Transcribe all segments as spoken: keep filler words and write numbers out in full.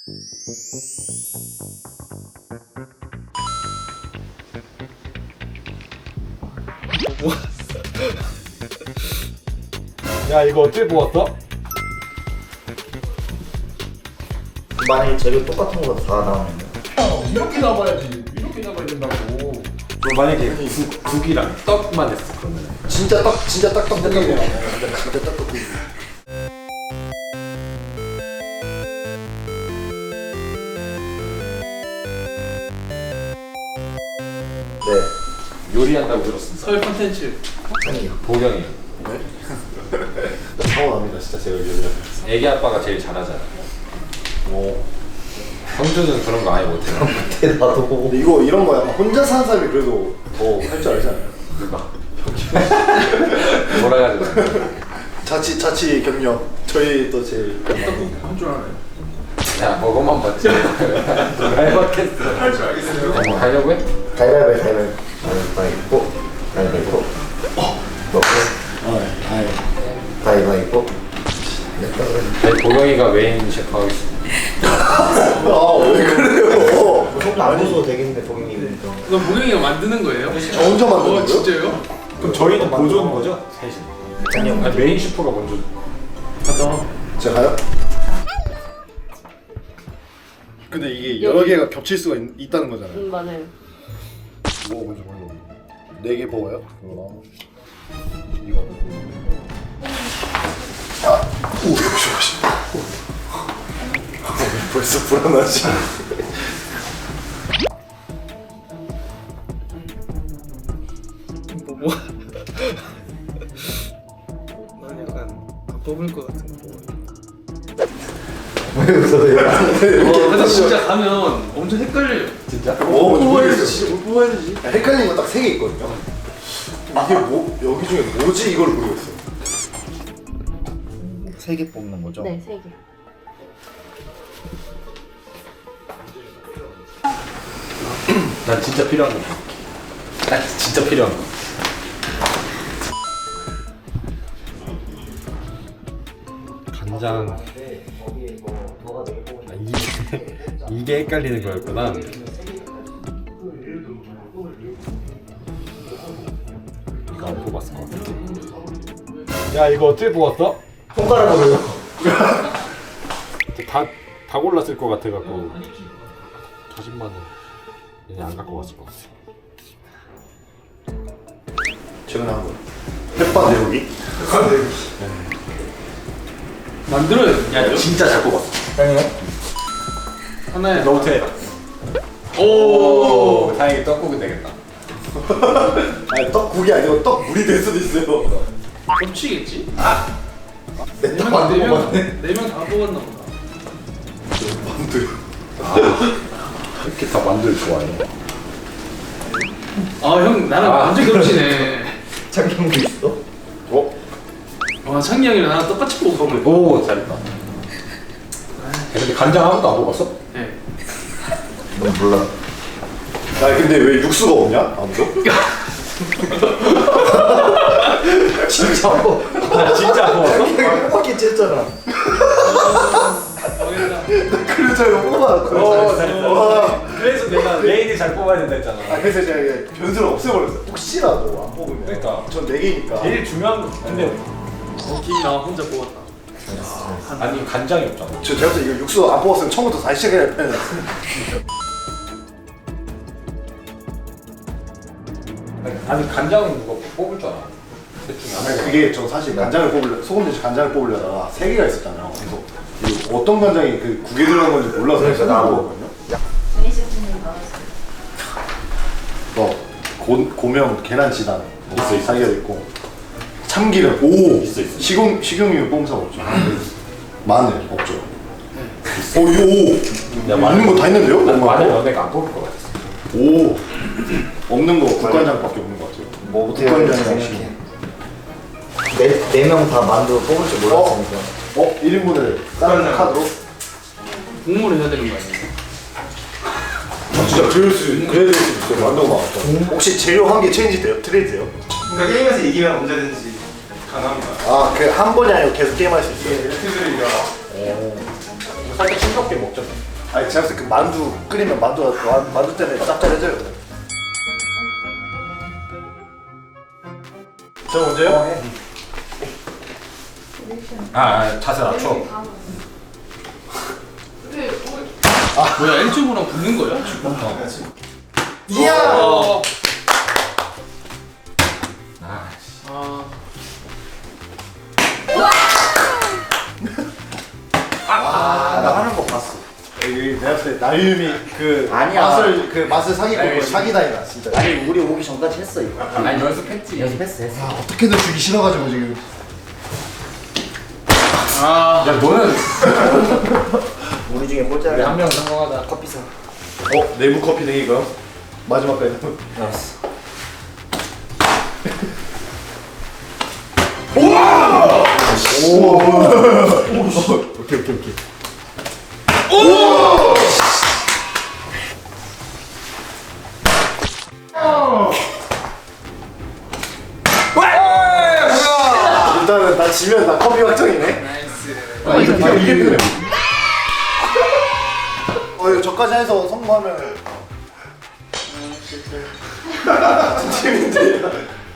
야 이거 어떻게 뽑았어? 만약에 재료 똑같은 거 다 나오면 이렇게 나와야지. 이렇게 나와야 된다고. 그럼 만약에 국, 국이랑 떡만 했어 그러면 진짜 딱 진짜 딱딱 떡볶이 진짜 딱떡볶이 네 요리한다고 들었습니다. 설 컨텐츠. 아니요 보경이. 서운합니다 진짜 제가 요리를 애기 아빠가 제일 잘하잖아. 오. 성주는 그런 거 아예 못해. 못해 나도 근데 이거 이런 거야 혼자 사는 사람이 그래도 더 할 줄 알잖아요 누가? 몰아가지고. 자취 자취 경력 저희 또 제일 한줄 알아요. 야 먹어만 봤지. 누가 해봤겠어. 할 줄 알겠어요. 뭐 하려고 해? 가위바위보 가위바위보 가위바위보 먹고 가위바위보 아니, 보경이가 메인 셰프 하겠어. 아왜 그래요 안 보셔도 되겠는데 고객님 이거 모경이가 만드는 거예요? 저 혼자 만드는 어 거예요? 진짜요? 그럼 저희는 보조인 거죠? 셋이. 아니요 아니, 메인 셰프가 먼저. 맞다. 제가 가요? 근데 이게 여러 개가 겹칠 수가 있, 있다는 거잖아요 음 맞아요. 뭐 먼저 먹어 네개 먹어요? 이거 이거 아! 오 역시 역시 벌써 불안하지 뭐 뭐? 난 약간 안 뽑을 것 같은 거. 왜 웃어요? 와 근데 진짜 가면 엄청 헷갈려요. 진짜? 뭐 뽑아야 모르겠어. 되지. 뭘 뽑아야 되지? 헷갈리는 거 딱 세 개 있거든요 이게 뭐 여기 중에 뭐지 이걸 모르겠어요 세 개 뽑는 거죠? 네, 세 개. 난 진짜 필요한 거 볼게. 난 진짜 필요한 거. 간장. 아, 이게 이게 헷갈리는 거였구나. 이거 안 뽑았을 것 같아. 야 이거 어떻게 뽑았어? 손가락으로요 다, 다 골랐을 것 같아갖고 자신만은 그냥 안 갖고 갔을 것 같아. 최근에 한 거. 햇반 내우기? 만들어요. 야 진짜 잘 뽑았어. 아니요. 하나에 너부터 해라. 오. 오 다행히 떡국은 되겠다. 아니 떡국이 아니고 떡물이 될 수도 있어요. 겹치겠지? 내떡만 네명 먹어봤네. 네 명 다 뽑았나 보다. 만두. 이렇게 다 만두를 좋아해. 아 형 나랑 아. 완전 겹치네. 창경도 있어? 어? 와 창기 형이랑 나랑 똑같이 뽑은 거. 오 잘했다. 야, 근데 간장 아무도 안 뽑았어? 네. 넌 몰라. 야 근데 왜 육수가 없냐? 아무도? 진짜 안 먹어. 아 진짜 안 뽑았어? 창경이 빡빡이 쨌잖아. 망했다. 그래서 이거 뽑아. 오 잘했다. 와. 그래서 내가 메인이 잘 뽑아야 된다 했잖아. 아 그래서 제가 이게 변수를 없애버렸어요. 혹시라도 안 뽑으면. 그러니까. 전 네 개니까. 제일 중요한 거 근데 어, 김이 나 혼자 뽑았다. 아니 간장이 없잖아. 저 제가 볼때 이거 육수 안 뽑았으면 처음부터 다시 시작해야 할 뻔했어요. 아니 간장은 누가 뽑을 줄 알아? 셋 중에 아니 하나. 그게 저 사실 간장을 뽑으려 소금 대신 간장을 뽑으려다가 세 개가 있었잖아요. 그래서 이 어떤 간장이 그 국에 들어간 건지 몰라서 그래서 나왔거든요. 어 고 고명 계란 지단 있어 있어 사이가 있고 참기름 오 있어, 있어. 식용 식용유 뽑은 사람 없죠. 마늘 없죠. 오 이거 오 야, 마늘- 있는 거 다 있는데요? 난 먹을 마늘 거? 연애가 안 뽑을 것 같았어. 오 없는 거 국간장밖에 없는 거 같아요. 뭐부터 국간장 생각해? 네명 다 만두 뽑을 줄 몰랐으니까. 어 일 인분을 다른 카드로? 국물을 해야 되는 거 아니에요? 아, 진짜 그럴 수 그래야 될 수도 있어요. 완전 많았다. 혹시 재료 한 개 체인지 돼요? 트레이드 돼요? 그러니까 게임에서 이기면 언제든지 가능합니다. 아 그 한 번이 아니고 계속 게임할 수 있어요? 유튜브가 살짝 싱겁게 먹자. 아니 제가 봤을 때 그 만두 끓이면 만두가 만- 만두 때문에 짭짤해져요. 저 먼저요? 아, 아 자세 낮춰. 뭐야 일주부랑 붙는 거야? 이야. 어. 아, 아. 아, 나 하는 거 봤어. 여기 내가 봤을 때 나유미 그 아니야. 맛을 그 맛을 사기꾼 사기다이다 진짜. 아니 우리 오기 전까지 했어 이거. 아니 연습했지. 연습했어 했어. 아, 어떻게든 주기 싫어가지고 지금. 아. 야 너는 우리 중에 꼴찌야. 우리 한 명 성공하다. 커피 사. 어 내부 커피 내기가 마지막까지. 알았어. 오. 오케이 오케이 오케이. 일단은 나 지면 나 커피 확정이네. 나이스. 아 이게 이게 이게 그래. 어 이거 저까지 해서 성공하면 팀인데.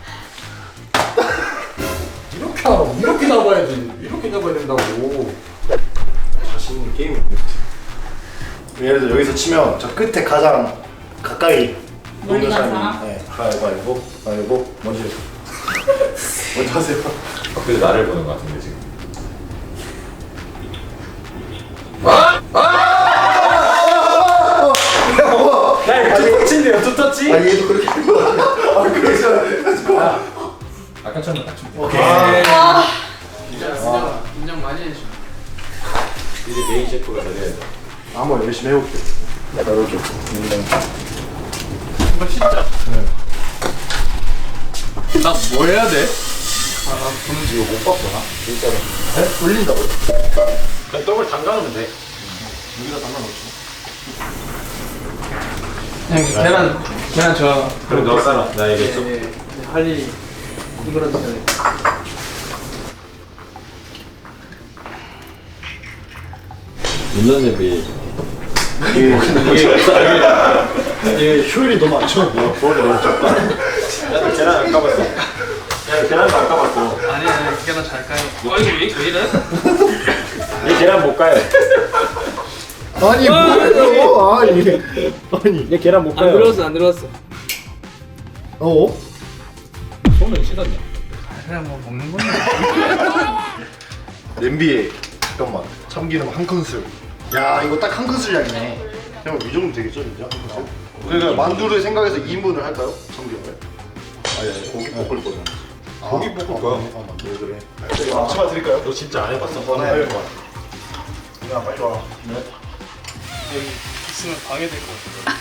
이렇게 하라고. 이렇게 잡아야지. 이렇게 잡아야 된다고. 자신 있는 게임이 예를 들어 여기서 치면 저 끝에 가장 가까이 멀리 있는 가는 사람이 사람? 네, 가위바위보 가위바위보 먼저 먼저 하세요. 그래도 나를 보는 것 같은데 지금. 야, 두 터치인데요, 두 터치? 아 얘도 그렇게 한 거 같아. 아 그러잖아. 아까처럼 맞춤. 오케이. 진짜 진짜 긴장 많이 해줘. 이제 메인 셰프가 돼야 돼. 한번 열심히 해볼게. 나 이렇게. 이거 진짜. 나 뭐 해야 돼? 아, 보는 이거 못 봤구나. 진짜로. 네? 돌린다고? 그냥 떡을 담가놓으면 돼. 여기다 담아놓지. 그냥 계란 계란 저. 그럼 너 싸라. 나 예, 얘기했어. 예. 할 일이 이거라도 해야 돼. 물론 대비. 이게 이게 효율이 너무 안 좋아. 뭐 머리 너무 작다. 야, 계란 안 까봤어? 야, 계란도 안 까봤어. 아니 아니 계란 잘 까요. 와 이거 왜, 왜 이래? 얘 계란 못 까요. 아니 뭐예요? 아니 아니. 얘 계란 못 안 들어왔어 안 들어왔어. 어? 손을 씻었냐? 그냥 뭐 먹는 건데. 냄비에 잠깐만 참기름 한 큰술. 야 이거 딱 한 큰술 양이네. 형 이 정도 되겠죠 진짜? 한 큰술? 그러니까 만두를 생각해서 이 인분을 할까요? 참기름을? 아니 아니 고기 볶을 거잖아. 고기 볶을 거야. 아 맞네. 왜 그래? 제가 앞치마 드릴까요? 너 진짜 안 해봤어? 네. 야 빨리 와. 네. 여기 있으면 방해될 것 같아.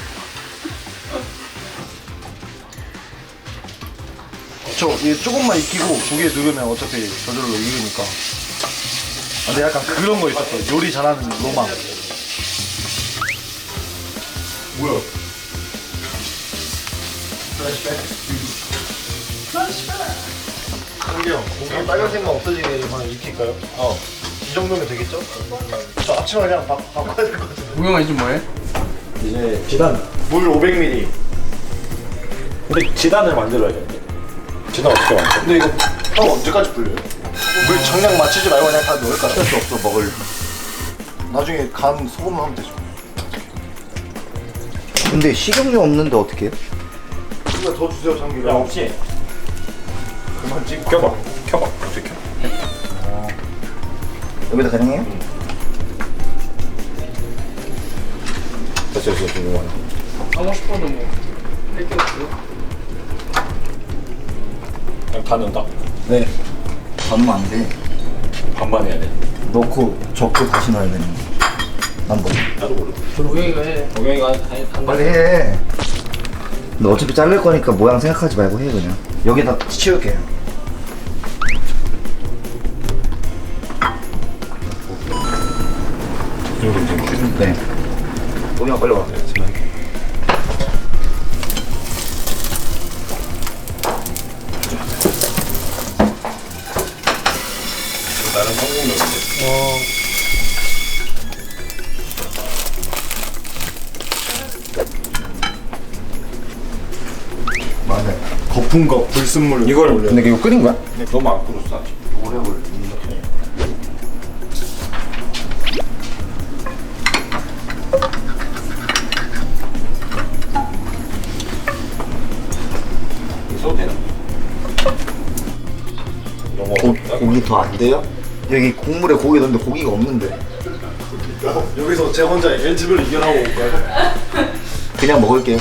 저 이게 조금만 익히고 고기에 누르면 어차피 저절로 익으니까. 아, 근데 약간 그런 거 있었어. 요리 잘하는 로망. 뭐야? 한경 고기 빨간색만 없어지게만 익힐까요? 어. 이 정도면 되겠죠? 저 앞치마 그냥 바, 바꿔야 될 것 같은데. 우영아 이제 뭐해? 이제 지단. 물 오백 밀리리터. 근데 지단을 만들어야 돼. 지단 어떻게 만들어? 근데 이거 형 언제까지 불려요? 물 정량 맞추지 말고 그냥 다 넣을까? 할 수 없어 먹을. 나중에 간 소금을 하면 되죠. 근데 식용유 없는데 어떻게 해? 이거 더 주세요 참기름. 야, 없지? 그만 찍고. 켜봐. 켜봐. 어떻게 켜? 여기다 가능해요? 됐어, 됐어, 됐어. 하고 싶어도 뭐 할 게 없어. 그냥 다 넣는다. 네. 담으면 안 돼. 반반 해야 돼. 넣고 적고 다시 넣어야 되는 거. 난 뭐. 나도 모르. 우영이가 해. 동영이가 한, 한 빨리 해. 너 어차피 자를 거니까 모양 생각하지 말고 해 그냥. 여기다 치울게. 네. 동영 빨리 와. 나는 성공이었지. 어. 거품과 불순물을 이걸 올려요. 근데 이거 끓인 거야? 너무 안 끓었어 아직. 오래 걸려. 써도 되나? 고, 고기 더 안 돼요? 여기 국물에 고기 넣는데 고기가 없는데 여기서 제 혼자 엔집을 이겨나고 올까요? 그냥 먹을게요.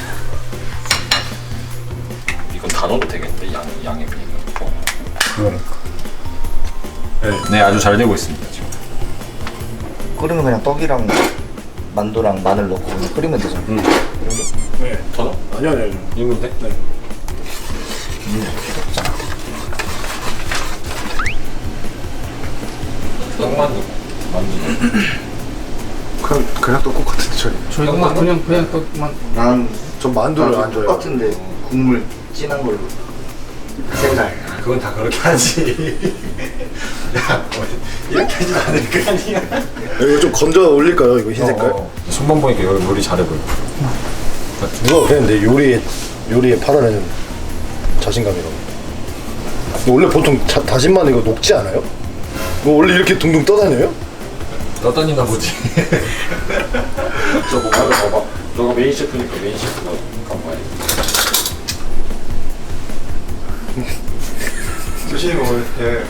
이건 다 넣어도 되겠는데 양 양에 비해서. 그러니까 네, 네 아주 잘 되고 있습니다 지금. 끓이면 그냥 떡이랑 만두랑 마늘 넣고 그냥 끓이면 되잖아. 응. 네. 더 넣어? 아니요 아니요 아니요. 이면 돼? 네. 떡만두 만두. 그냥 그냥 떡국 같은데 저희. 저희가 막 그냥 그냥 떡만 난 전 만두를 안 좋아해요. 똑같은데 국물 진한 걸로 색깔. 그건 다 그렇게 하지. 야, 이렇게 하진 않을 거 아니야. 이거 좀 건져 올릴까요? 이거 흰 색깔? 어, 손만 보니까 여기 요리 잘해 보여. 누가 그랬는데 요리에 요리에 팔아내는 자신감이라고. 원래 보통 자, 다진마늘 이거 녹지 않아요? 이거 원래 이렇게 둥둥 떠다녀요? 떠다니나 보지. 저거 봐봐, 봐봐. 너가 메인 셰프니까 메인 셰프가 가봐야 돼. 조심히 먹어야 돼.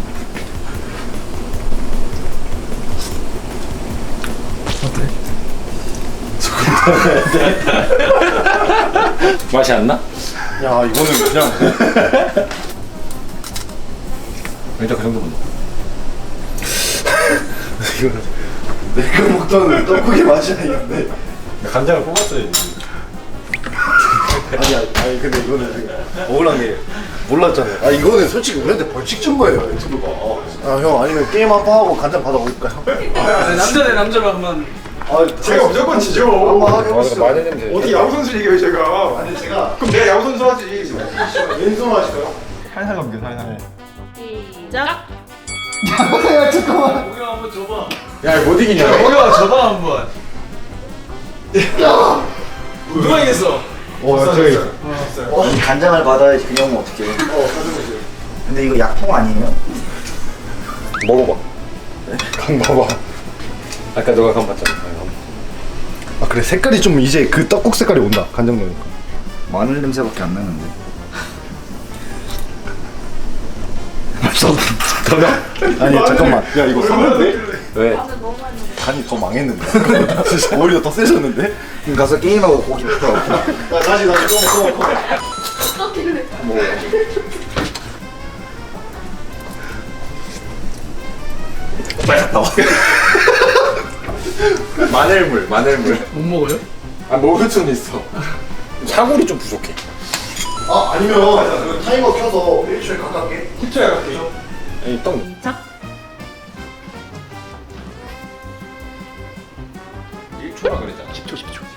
맛이 안 나? 야 이거는 그냥 일단 그 정도면 넣어. 이거는 내가 먹던 떡국의 맛이 아닌데. 간장을 뽑았어야지. 아니 아니, 아니 근데 이거는 지금 억울한 게 몰랐잖아요. 아 이거는 솔직히 우리한테 벌칙 준 거예요 유튜브가. 아 형 아니면 게임 한 판 하고 간장 받아 올까요? 남자 대 남자로 한번 아 제가 무조건 지죠. 한번 하게 아, 해보시죠. 마늘 냄새. 어디 야구 선수 얘기해요 제가. 아니 제가 그럼 내가 야구 선수 하지. 왼손 하실까요? 살살 넘겨 살살. 시작. 야 잠깐만. 우리 한번 줘봐. 야, 못 이기냐? 우리가 줘봐 한번. 야. 누가 이겼어? 어 저기. 이 간장을 받아야지 그냥 오면 어떡해. 어 가져오세요. 근데 이거 약통 아니에요? 먹어봐. 강 봐봐. 아까 너가 간 봤잖아. 아 그래 색깔이 좀 이제 그 떡국 색깔이 온다 간장 넣으니까. 마늘 냄새밖에 안 나는데. 아니 잠깐만. 야 이거 샀는데? 왜? 간이 더 망했는데. 오히려 더 세졌는데? 그럼 가서 게임하고 고기 먹고. 야 다시 다시 꺼먹 꺼먹 꺼먹. 어떻길래? 뭐 빨리 갔다 와. 마늘물, 마늘물. 못 먹어요? 아, 먹을 수는 있어. 사골이 좀 부족해. 아 아니면 그 타이머 켜서 일 초에 가깝게. 십 초에 갈게요. 아니, 떡. 시작. 일 초라 그랬잖아. 십 초, 십 초.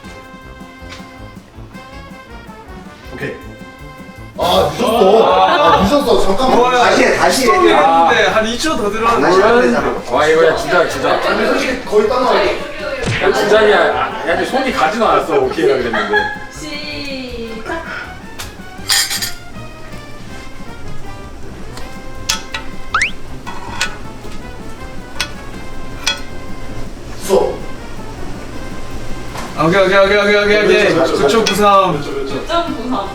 오케이. 아 늦었어. 아 늦었어. 잠깐만. 다시 해 다시 해. 했는데 한 이 초 더 들어왔는데. 다시 하면 되잖아. 와, 이거 야, 주자, 주자. 아니 솔직히 거의 딱 나와. 야, 주자냐. 야, 근데 손이 가지도 않았어. 오케이라 그랬는데. 시작. 써. 오케이 오케이 오케이 오케이 오케이 오케이. 구 초 구삼. 구 점 구삼.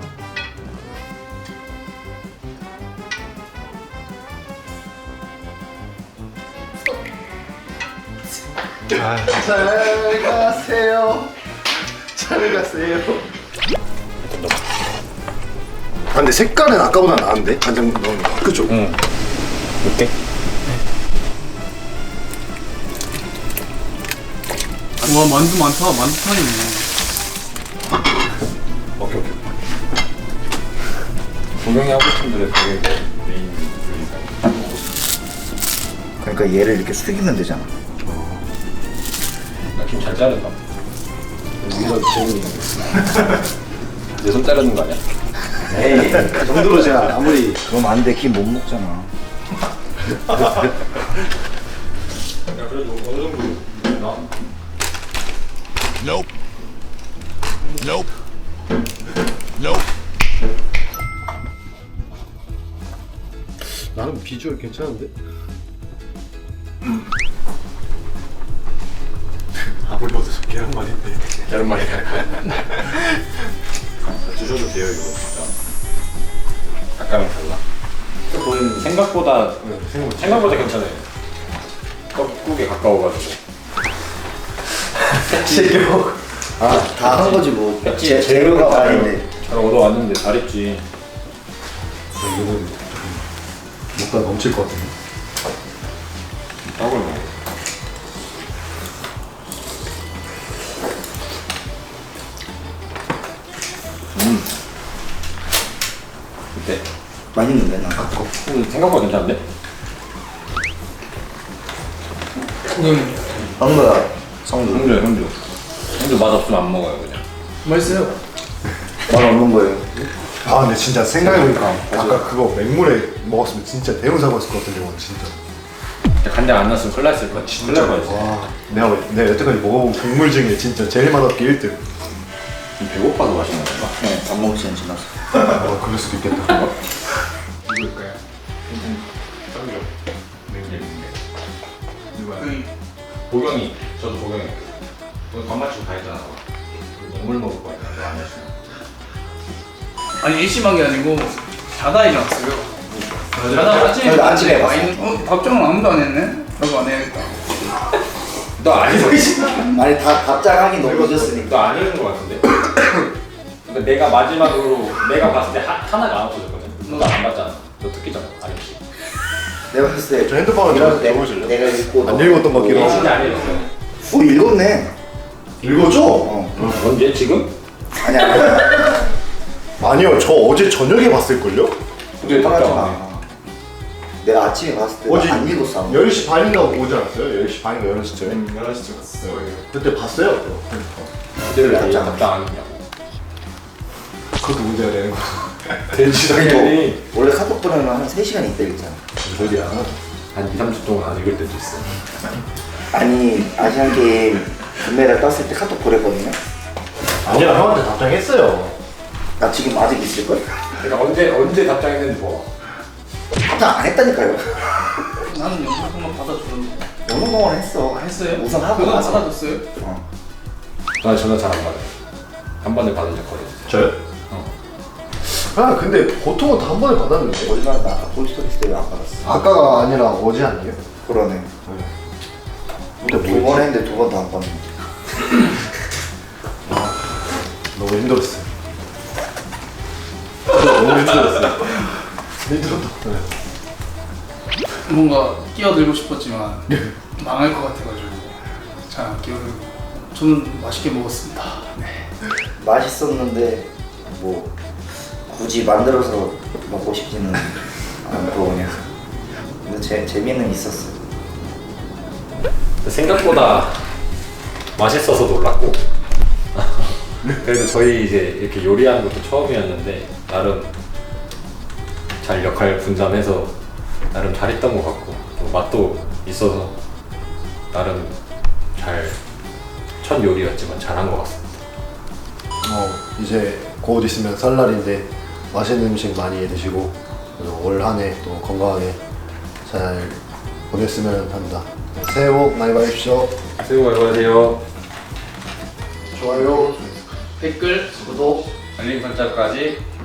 잘 가세요. 잘 가세요. 아 근데 색깔은 아까보다 나은데 간장 넣으니까. 그쵸? 응. 어때? 와 만두 많다. 만두판이네. 오케이, 오케이. 동영이 하고 싶은데 되게 메인 요리사. 그러니까 얘를 이렇게 숙이면 되잖아. 나김 잘 자른다. 이거 재능이 내 손 자르는 거 아니야? 에이 그 정도로 제가 아무리 그럼 안 돼. 김 못 먹잖아. 야, 그래도 어느 정도 나. Nope. Nope. Nope. 나름 비주얼 괜찮은데? 아무리 얻어서 계란말인데. 계란말이. 드셔도 돼요 이거 진짜. 약간은 달라. 음, 생각보다 생각보다 괜찮아요. 떡국에 가까워가지고. 지금 아다 한 거지 뭐. 제- 재- 재료가 많은데. 잘 얻어왔는데 잘했지. 이거는 먹다 넘칠 것 같은데. 떡을 먹어. 음. 어때? 맛있는데 나. 음, 생각보다 괜찮은데? 성도야. 성도. 형주 형주. 형주 맛 없으면 안 먹어요 그냥. 맛있어요. 맛 없는 거예요. 아 근데 진짜 생각해보니까 아까 그거 맹물에 먹었으면 진짜 대형 사고였을 것 같은데 이건 진짜. 간장 안 났으면 큰일 났을 거야. 큰일 날 뻔했어. 와 내가 내가 여태까지 먹어본 국물 중에 진짜 제일 맛없게 일 등. 배고파서 맛있는 건가? 네, 밥 먹을 시간 지났어. 어 그럴 수도 있겠다. 누굴까요? 형주. 누구야? 응. 보경이. 저도 보경이. 오늘 밥 맞추고 다 했잖아. 먹물 먹을 거야. 너안 했으면. 아니 일심한 게 아니고 자다 일어났어요. 자다 아침에 저희도 아침에 봤어요. 있는, 어 답장은 아무도 안 했네. 라고 안 해야겠다. 너 아니고 있어. 아니 다 답장하기 너무 늦었으니까. 너 아니는 거 같은데? 근데 내가 마지막으로 내가 봤을 때 하, 하나가 안 없어졌거든. 너 안 봤잖아. 너 듣기잖아. 아니지. 내가 봤을 때 저 핸드폰을 이런 좀 내- 읽어보실래요? 내가 읽고 안 읽었던 거 너 기록. 진짜 안 읽었어. 오 읽었네. 읽었죠? 어. 언제? 지금? 아니야. 아니야. 아니요 저 어제 저녁에 봤을걸요? 근데 화나지 답장 안 해. 마. 내가 아침에 봤을 때 어제 안 읽었어. 아무도. 열 시 반인가 오지 않았어요? 열 시 반인가 열한 시쯤에? 열한 시쯤 갔어. 그때 봤어요? 그때를 왜 답장 답장 안 했냐고. 그것도 문제가 되는 거. 대지당연히. 원래 카톡 보내면 한 세 시간 있다 읽잖아. 소리야. 한 이, 삼 주 동안 안 읽을 때도 있어. 아니 아시안게임 금메달 땄을 때 카톡 보냈거든요. 아니야 형한테 답장했어요. 나 지금 아직 있을걸? 내가 언제 언제 답장했는지 봐. 답장 안 했다니까요. 나는 영상만 받아주는데. 어느 동안 했어. 아, 했어요? 우선 하고 그건 나서. 받아줬어요? 어. 나 전화 잘 안 받아. 한 번에 받은 적 거의. 저요? 어. 아 근데 보통은 다 한 번에 받았는데. 얼마나 나 아까 폴스토리스 때문에 안 받았어. 아까가 아니라 어제 아니에요? 그러네. 근데 두 번 했는데 두 번 다 안 받는. 너무 힘들었어요. 너무 힘들었어요. 힘들었다. 뭔가 끼어들고 싶었지만 망할 것 같아가지고 잘 안 끼어들고. 저는 맛있게 먹었습니다. 네. 맛있었는데 뭐 굳이 만들어서 먹고 싶지는 않고 그냥. 근데 재 재미는 있었어. 생각보다 맛있어서 놀랐고. 그래도 저희 이제 이렇게 요리하는 것도 처음이었는데 나름 잘 역할 분담해서 나름 잘했던 것 같고 또 맛도 있어서 나름 잘 첫 요리였지만 잘한 것 같습니다. 어 이제 곧 있으면 설날인데 맛있는 음식 많이 드시고 올 한 해 또 건강하게 잘 보냈으면 합니다. 새해 복 많이 받으십시오. 새해 복 많이 받으세요. 좋아요. 댓글 구독. 알림 설정까지